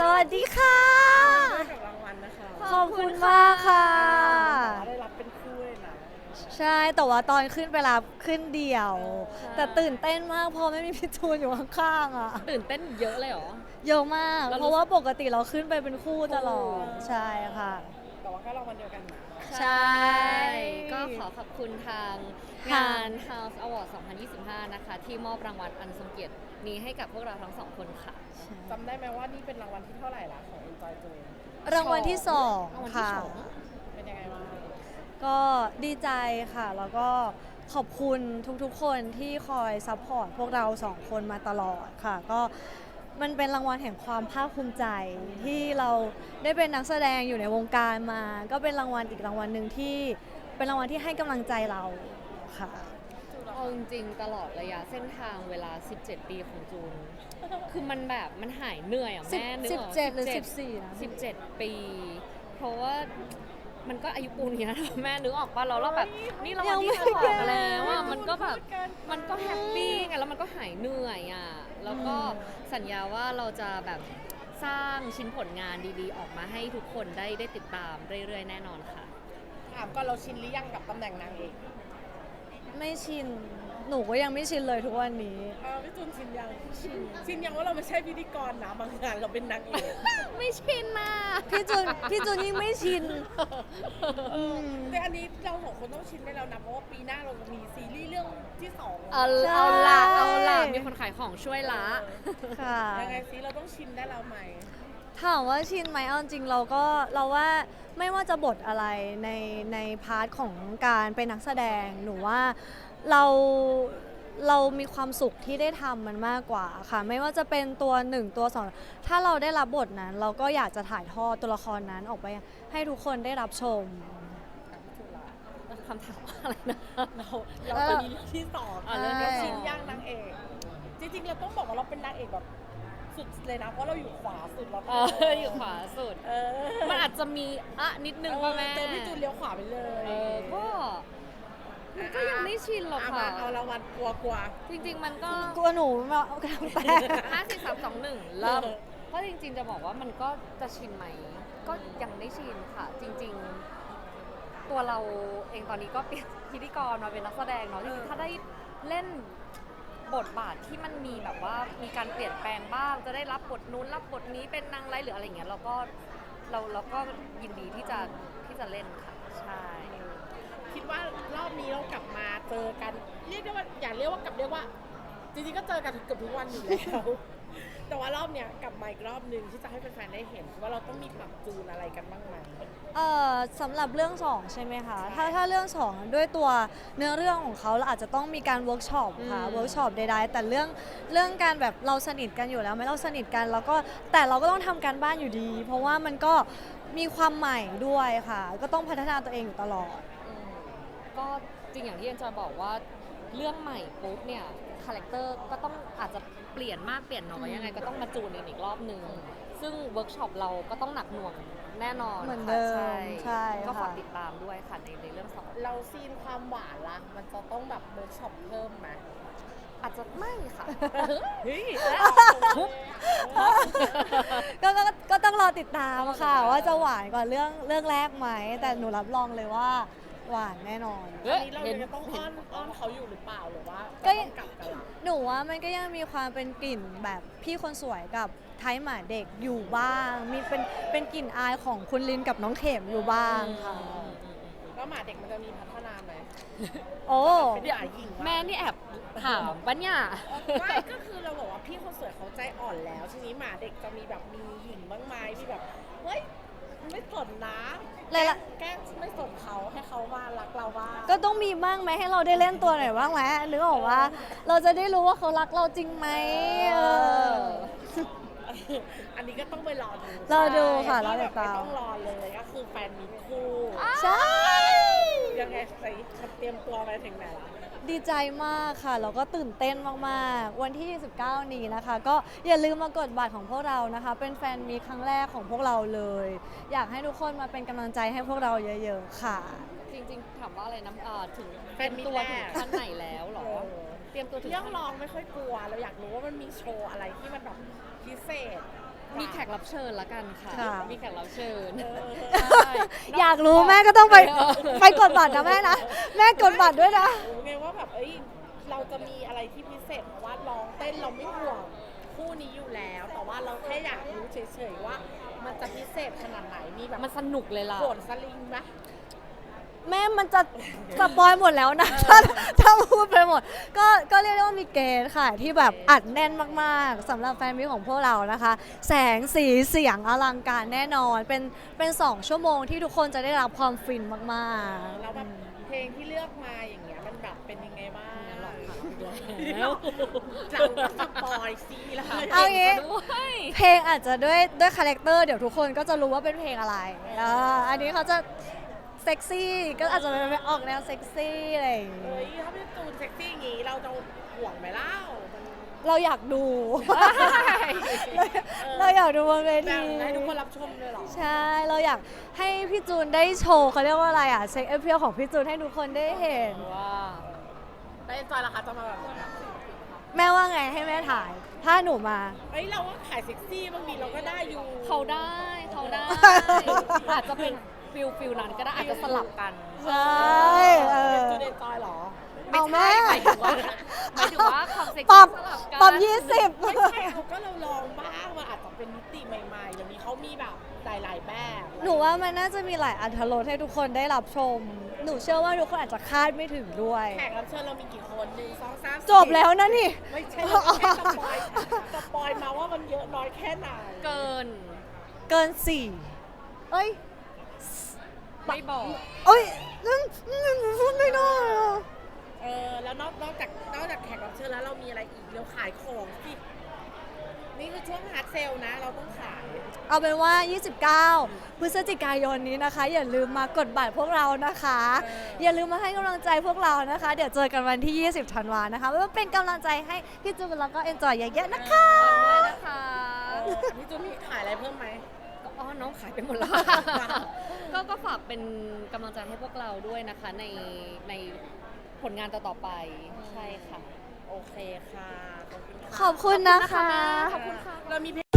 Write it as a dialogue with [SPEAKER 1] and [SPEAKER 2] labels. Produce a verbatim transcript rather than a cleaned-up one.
[SPEAKER 1] วัสดีค่ะ
[SPEAKER 2] กับรางวัลนะคะ
[SPEAKER 1] ขอบคุณมากค่ะ
[SPEAKER 2] ได้รับเป็นคู่เลยนะ
[SPEAKER 1] ใช่แต่ว่าตอนขึ้นไปรับขึ้นเดี่ยว แต่ตื่นเต้นมากเพราะไม่มีพี่จูนอยู่ข้างๆอ่ะ
[SPEAKER 3] ตื่นเต้นเยอะเลยเหรอ
[SPEAKER 1] เยอะมาก
[SPEAKER 3] เรารู้
[SPEAKER 1] เพราะว่าปกติเราขึ้นไปเป็นคู่ตลอดใช่ค่ะ
[SPEAKER 2] แต่ว่าก็รางวัลเดียวกันนะ
[SPEAKER 1] ใช่
[SPEAKER 3] ก็ขอขอบคุณทาง
[SPEAKER 1] ค่ะ
[SPEAKER 3] งาน House Award สองพันยี่สิบห้า นะคะ ที่มอบรางวัลอันทรงเกียรตินี้ให้กับพวกเราทั้งสองคนค่ะ
[SPEAKER 2] จำได้ไหมว่านี่เป็นรางวัลที่เท่าไหร่ละของ Enjoy Joy
[SPEAKER 1] รางวัลที่สอง
[SPEAKER 3] รางวัลที่
[SPEAKER 1] ค่ะ
[SPEAKER 3] สอง
[SPEAKER 2] เป็นยังไงบ้าง
[SPEAKER 1] ก็ดีใจค่ะ แล้วก็ขอบคุณทุกๆ คนที่คอยซัพพอร์ตพวกเราสองคนมาตลอดค่ะ ก็มันเป็นรางวัลแห่งความภาคภูมิใจที่เราได้เป็นนักแสดงอยู่ในวงการมา ก็เป็นรางวัลอีกรางวัลหนึ่งที่เป็นรางวัลที่ให้กำลังใจเราค่ะ
[SPEAKER 3] เอาจริงๆตลอดระยะเส้นทางเวลา สิบเจ็ด ปีของจูน คือมันแบบมันหายเหนื่อยอ่ะแม่นึก
[SPEAKER 1] สิบ
[SPEAKER 3] ออก
[SPEAKER 1] เจ็ดหรือสิบสี่นะ
[SPEAKER 3] สิบเจ็ด ปี เพราะว่ามันก็อายุปูนนี้นะแม่นึกออกป่ะเราเราแบบนี่รางวัลที่สองแล้วอ่ะมันก็แบบมันก็แฮปปี้ไงแล้วมันก็หายเหนื่อยอ่ะแล้วก็สัญญาว่าเราจะแบบสร้างชิ้นผลงานดีๆ ออกมาให้ทุกคนได้ได้ติดตามเรื่อยๆ แน่นอนค่ะ
[SPEAKER 2] ถามก่อนเราชินหรือยังกับตำแหน่งนางเอก
[SPEAKER 1] ไม่ชิน หนูก็ยังไม่ชินเลยทุกวันนี้
[SPEAKER 2] เออพี่จูนชินยังชินชินยังว่าเราไม่ใช่พิธีกรนะบางงานเราเป็นนางเอก
[SPEAKER 3] ไม่ชินนะ
[SPEAKER 1] พี่จูนพี่จูนยิ่งไม่ชิน
[SPEAKER 2] เออแต่อันนี้เราสองคนต้องชินได้แล้วนะเพราะว่าปีหน้าเราจะมีซีรีส์เรื่องที่สอง
[SPEAKER 3] เอา
[SPEAKER 1] ใช่
[SPEAKER 3] เอาละเอาละมีคนขายของช่วยละ
[SPEAKER 1] ค่ะ
[SPEAKER 2] ยังไงซิเราต้องชินได้แล้วไหม
[SPEAKER 1] ถามว่าชินไหมเอาจริงเราก็เราว่าไม่ว่าจะบทอะไรในในพาร์ทของการเป็นนักแสดงหนูว่าเราเรามีความสุขที่ได้ทำมันมากกว่าค่ะไม่ว่าจะเป็นตัวหนึ่งตัวสองถ้าเราได้รับบทนั้น เราก็อยากจะถ่ายทอดตัวละครนั้นออกไปให้ทุกคนได้รับชม
[SPEAKER 2] ถามพี่จูนละ
[SPEAKER 3] คำถามว่าอะไรนะ
[SPEAKER 2] เราเราจะมีเรื่องที่สอง
[SPEAKER 3] อ่ะเรื่องที่
[SPEAKER 2] เรา
[SPEAKER 3] สอง
[SPEAKER 2] ชินย่างนางเอก จริงๆเราต้องบอกว่าเราเป็นนางเอกแบบสุดเลยนะเพราะเราอยู่ขวาสุดแล้ว
[SPEAKER 3] เอออยู่ขวาสุด
[SPEAKER 2] เออ
[SPEAKER 3] มันอาจจะมีอะนิดนึงป่ะแม่
[SPEAKER 2] เจอพี่จูนเลี้ยวขวาไปเลย
[SPEAKER 3] เออก็มันก็ยังไม่ชินหรอก
[SPEAKER 2] เอา
[SPEAKER 3] ค่ะ
[SPEAKER 2] มาเอารางวัลกลัวกลัว
[SPEAKER 3] จริงๆมันก็
[SPEAKER 1] กลัวหนูไม่เอากระแตก
[SPEAKER 3] ห้าสี่สามสองหนึ่งเริ่มเพราะจริงๆจะบอกว่ามันก็จะชินไหม ก็ยังไม่ชินค่ะ จริงๆ ตัวเราเองตอนนี้ก็เปลี่ยนพิธีกรมาเป็นนักแสดงเนาะจริงๆถ้าได้เล่นบทบาทที่มันมีแบบว่ามีการเปลี่ยนแปลงบ้าง จะได้รับบทนู้นรับบทนี้เป็นนางร้ายหรืออะไรเงี้ยเราก็เราเราก็ยินดีที่จะที่จะเล่นค่ะใช่
[SPEAKER 2] คิดว่ารอบนี้เรากลับมาเจอกัน เรียกได้ว่าอย่าเรียกว่ากลับเรียกว่า จริงๆก็เจอกันเกือบทุกวันอยู่แล้ว แต่ว่ารอบเนี้ยกลับมาอีกรอบนึงที่จะให้แฟนๆได้เห็นว่าเราต้องมีปรับจูนอะไรกันบ้างไหม
[SPEAKER 1] เอ่อสำหรับเรื่องสองใช่ไหมคะ ถ้าถ้าเรื่องสองด้วยตัวเนื้อเรื่องของเขาเราอาจจะต้องมีการเวิร์กช็อปค่ะ
[SPEAKER 3] อืม
[SPEAKER 1] เวิร์กช็อปใดๆแต่เรื่องเรื่องการแบบเราสนิทกันอยู่แล้วไหมเราสนิทกันแล้วก็แต่เราก็ต้องทำการบ้านอยู่ดี เพราะว่ามันก็มีความใหม่ด้วยค่ะ ก็ต้องพัฒนาตัวเองอยู่ตลอด
[SPEAKER 3] อืมก็จริงอย่างที่เอ็นจอยบอกว่าเรื่องใหม่ปุ๊บเนี่ยคาแรคเตอร์ก็ต้องอาจจะเปลี่ยนมากเปลี่ยนน้อยยังไงก็ต้องมาจูนกันอีกรอบหนึ่งซึ่งเวิร์กช็อปเราก็ต้องหนักหน่วงแน่นอน
[SPEAKER 1] เหมือน
[SPEAKER 3] ค่ะ
[SPEAKER 1] เดิม
[SPEAKER 3] ใช่
[SPEAKER 1] ใช่
[SPEAKER 3] ก็ฝาก
[SPEAKER 1] ค่ะ
[SPEAKER 3] ติดตามด้วยค่ะในในเรื่องสอง
[SPEAKER 2] เราซีนความหวานละมันจะต้องแบบเวิร์กช็อปเพิ่มไหม
[SPEAKER 3] อาจจะไม่ค่ะ
[SPEAKER 2] เฮ้ย
[SPEAKER 1] ก็ก็ก็ต้องรอติดตามค่ะ ว่าจะหวานกว่าเรื่องเรื่องแรกไหม แต่หนูรับรองเลยว่าหวานแน่นอน
[SPEAKER 3] เฮ้
[SPEAKER 2] อั
[SPEAKER 3] ย
[SPEAKER 2] นนี้เรา
[SPEAKER 3] เห็น
[SPEAKER 2] จะต้องอ้อนอ้อนเขาอยู่หรือเปล่าหรือว่า
[SPEAKER 1] ก็
[SPEAKER 2] ก็ต้องกลับกันละ
[SPEAKER 1] หนูว่ามันก็ยังมีความเป็นกลิ่นแบบพี่คนสวยกับไทยหมาเด็กอยู่บ้าง มีเป็นเป็นกลิ่นอายของคุณลินกับน้องเข็มอยู่บ้างค่ะ
[SPEAKER 2] แล้วหมาเด็กมันจะมีพัฒนาไหม
[SPEAKER 1] โอ้
[SPEAKER 2] เป็นหมาหญิง
[SPEAKER 3] แม่นี่แอบถามปะเนี่ย
[SPEAKER 2] ไม่ก็คือเราบอกว่าพี่คนสวยเขาใจอ่อนแล้ว ทีนี้หมาเด็กจะมีแบบมีหญิงบ้างไหมมีแบบเฮ้ยไม่สนนะ
[SPEAKER 1] เลยละ
[SPEAKER 2] แกล้งไม่สนเขาให้เขามารักเราบ้าง
[SPEAKER 1] ก็ต้องมีบ้างไหมให้เราได้เล่นตัวหน่อยบ้างไหมนึกออกว่าเราจะได้รู้ว่าเขารักเราจริงไหมเออ
[SPEAKER 2] อันนี้ก็ต้องไปรอดู
[SPEAKER 1] รอดูค่ะ
[SPEAKER 2] ที่
[SPEAKER 1] รอติ
[SPEAKER 2] แบ
[SPEAKER 1] ด
[SPEAKER 2] บ
[SPEAKER 1] ตาม
[SPEAKER 2] ไม่ต้องรอเลยก็คือแฟนมีคู่
[SPEAKER 1] ใช่
[SPEAKER 2] ยังไงใส่เตรียมตัวไปถึงไหนละ
[SPEAKER 1] ดีใจมากค่ะแล้วก็ตื่นเต้นมากๆ วันที่ยี่สิบเก้านี้นะคะ ก็อย่าลืมมากดบัตรของพวกเรานะคะ เป็นแฟนมีครั้งแรกของพวกเราเลย อยากให้ทุกคนมาเป็นกำลังใจให้พวกเราเยอะๆค่ะ
[SPEAKER 3] จริงๆถามว่าอะไรนะเอ่อถึงเตรียมตัวถึงขั้นไหนแล้วเหรอ เตรียมตัวถึง
[SPEAKER 2] เรื่อง
[SPEAKER 3] ขั้น
[SPEAKER 2] ลองไม่ค่อยกลัวเราอยากรู้ว่ามันมีโชว์อะไรที่มันแบบพิเศษ
[SPEAKER 3] มีแขกรับเชิญละกันค่ะ
[SPEAKER 1] ค่ะ
[SPEAKER 3] มีแขกรับเชิญ
[SPEAKER 2] เออ
[SPEAKER 3] ใช่
[SPEAKER 1] อยากรู้แม่ก็ต้องไป
[SPEAKER 3] เออ
[SPEAKER 1] ไปกดบัตรนะแม่นะ แม่กดบัตรด้วยนะ
[SPEAKER 2] รู้ไงว่าแบบเอ้ยเราจะมีอะไรที่พิเศษเพราะว่าร้องเต้นเราไม่ห่วงคู่นี้อยู่แล้ว แต่ว่าเราแค่อยากรู้เฉยๆว่า มันจะพิเศษขนาดไหนมีแบบ
[SPEAKER 3] มันสนุกเลยล่ะ
[SPEAKER 2] โขนสลิงไหม
[SPEAKER 1] แม่มันจะสปอยหมดแล้วนะ ถ้าถ้าพูดไปหมด ก็ก็เรียกได้ว่ามีเกณฑ์ค่ะ ที่แบบอัดแน่นมากๆสำหรับแฟนมิตรของพวกเรานะคะ แสงสีเสียงอลังการแน่นอน เป็นเป็นสองชั่วโมงที่ทุกคนจะได้รับความฟินมากๆ
[SPEAKER 2] แล้วแบบเพลงที่เลือกมาอย่างเงี้ยมันแบบเป็นยังไงบ้าง
[SPEAKER 3] หรอกค่ะ
[SPEAKER 2] เราก็สปอยซีแล้ว
[SPEAKER 1] เอางี้
[SPEAKER 3] ด้วย
[SPEAKER 1] เพลงอาจจะด้วยด้วยคาแรคเตอร์เดี๋ยวทุกคนก็จะรู้ว่าเป็นเพลงอะไรอ่าอันนี้เขาจะเซ็กซี่ก็อาจจะเป็นออกแนวเซ็กซี่อะไรอย่าง
[SPEAKER 2] เฮ้
[SPEAKER 1] งี้
[SPEAKER 2] ยถ้าเป็นตูนเซ็กซี่อย่างงี้เราจะห่วงไหมเล่ามัน
[SPEAKER 1] เราอยากดู เราเราอยากดูบนเว
[SPEAKER 2] แบ่
[SPEAKER 1] ที
[SPEAKER 2] งให้ทุกคนรับชมเลยเหรอ
[SPEAKER 1] ใช่ เราอยากให้พี่จูนได้โชว์เขาเรียกว่าอะไรอ่ะเซ็กเอฟเพียของพี่จูนให้ทุกคนได้เห็น
[SPEAKER 3] ว้า
[SPEAKER 2] ได้จอยราคาจะมาแบบไหน
[SPEAKER 1] แม่ว่าไงให้แม่ถ่าย ถ้าหนูมา
[SPEAKER 2] เฮ้ยเราว่าขายเซ็กซี่บางทีเราก็ได้อยู่
[SPEAKER 3] เขาได้เขาได้ อาจจะเป็นฟิลฟิลนั้นก็ได้อาจจะสลับกัน
[SPEAKER 1] ใช่เออ
[SPEAKER 2] จูเดนจอยเหรอ
[SPEAKER 1] เอาแม่
[SPEAKER 3] หมายถึงว่าหมายถึงว่าความเซ็ก
[SPEAKER 1] ปรั
[SPEAKER 3] ซี่
[SPEAKER 1] บ
[SPEAKER 3] สลับกัน
[SPEAKER 1] ปรับยี่สิบ
[SPEAKER 2] ไม่ใช่เขาก็เราลองบ้างมันอาจจะเป็นมิติใหม่ๆเดี๋ยวนี้เขามีแบบหลายๆแบบ
[SPEAKER 1] หนูว่ามันน่าจะมีหลายอัธรสให้ทุกคนได้รับชม หนูเชื่อว่าทุกคนอาจจะคาดไม่ถึงด้วย
[SPEAKER 2] แขกรับเชิญเรามีกี่คนหนึ่งสองสามสี่
[SPEAKER 1] จบแล้วนะนี่
[SPEAKER 2] ไม่ใช่เราแค่สปอยสปอยมาว่ามันเยอะน้อยแค่ไหน
[SPEAKER 3] เกิน
[SPEAKER 1] เกินสี่เอ้ย
[SPEAKER 3] ไม่บอก
[SPEAKER 1] เอ้ยนั่นนั่นหนูพูดไม่ได้อะ
[SPEAKER 2] เออแล้วนอกนอกจากนอกจากแขกรับเชิญแล้วเรามีอะไรอีกเราขายของสินี่คือช่วงฮาร์ดเซลนะ เราต้องขาย
[SPEAKER 1] เอาเป็นว่า ยี่สิบเก้า พฤศจิกายนนี้นะคะ อย่าลืมมากดบัตรพวกเรานะคะ
[SPEAKER 2] เออ
[SPEAKER 1] อ
[SPEAKER 2] อ
[SPEAKER 1] ย่าลืมมาให้กำลังใจพวกเรานะคะ เดี๋ยวเจอกันวันที่ ยี่สิบธันวานะคะเพื่อเป็นกำลังใจให้พี่จูนแล้วก็เอนจอยเยอะๆนะคะ
[SPEAKER 3] ฝากด้วยนะคะ
[SPEAKER 2] เออพี่จูนมีขายอะไรเพิ่มไหม
[SPEAKER 3] ก็อ๋อน้องขายไปหมดแล้ว ก็ก็ฝากเป็นกำลังใจให้พวกเราด้วยนะคะ ในในผลงานต่อๆไป ใช่ค่ะ
[SPEAKER 2] โอเคค่ะ ขอบคุณค่ะ
[SPEAKER 1] ขอบคุณนะคะ
[SPEAKER 3] ขอบคุณค่ะ
[SPEAKER 2] เรามีเพลง